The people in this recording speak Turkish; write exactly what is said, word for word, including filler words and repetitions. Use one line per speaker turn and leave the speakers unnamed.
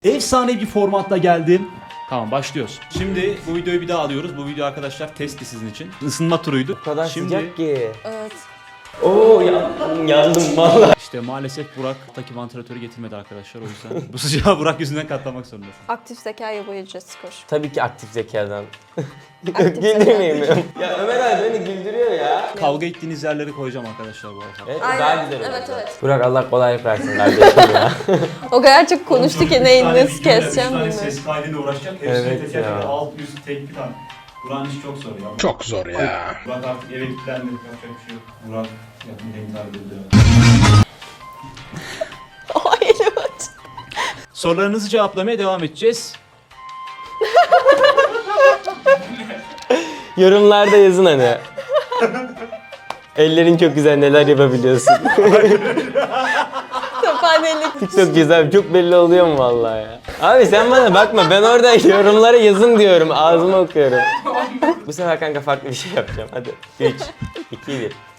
Efsane bir formatla geldim. Tamam, başlıyoruz. Şimdi bu videoyu bir daha alıyoruz. Bu video arkadaşlar testti sizin için. Isınma turuydu.
O kadar
Şimdi,
sıcak ki.
Evet.
Oo yandım, yandım valla.
İşte maalesef Burak'taki vantilatörü getirmedi arkadaşlar, o yüzden. Bu sıcağı Burak yüzünden katlamak zorundasın.
Aktif zekayla bu ücret skor.
Tabii ki aktif zekadan.
Aktif
Güldürmeyeyim. Ya Ömer abi beni güldürüyor ya.
Kavga ettiğiniz yerleri koyacağım arkadaşlar bu arada.
Evet,
Aynen.
daha güzel oldu.
Evet, evet.
Burak Allah kolaylık versin kardeşim ya.
O kadar çok konuştu ki neyi nasıl keseceğim bilmiyorum.
Ses kaydıyla uğraşacak.
Evet
Hepsini teker
ya.
teker alt üst tek bir tane. Burak'ın işi çok zor ya.
Çok zor ya.
Burak artık eve kilitlendi. Yapacak bir şey yok. Burak yapmayı intihar edildi.
Ay evet.
Sorularınızı cevaplamaya devam edeceğiz.
Yorumlarda yazın hani. Ellerin çok güzel, neler yapabiliyorsun.
Sapanelik.
TikTok güzel, çok belli oluyor mu vallahi ya? Abi sen bana bakma, ben orada yorumlara yazın diyorum, ağzıma okuyorum. Bu sefer kanka farklı bir şey yapacağım, hadi. üç, iki, bir.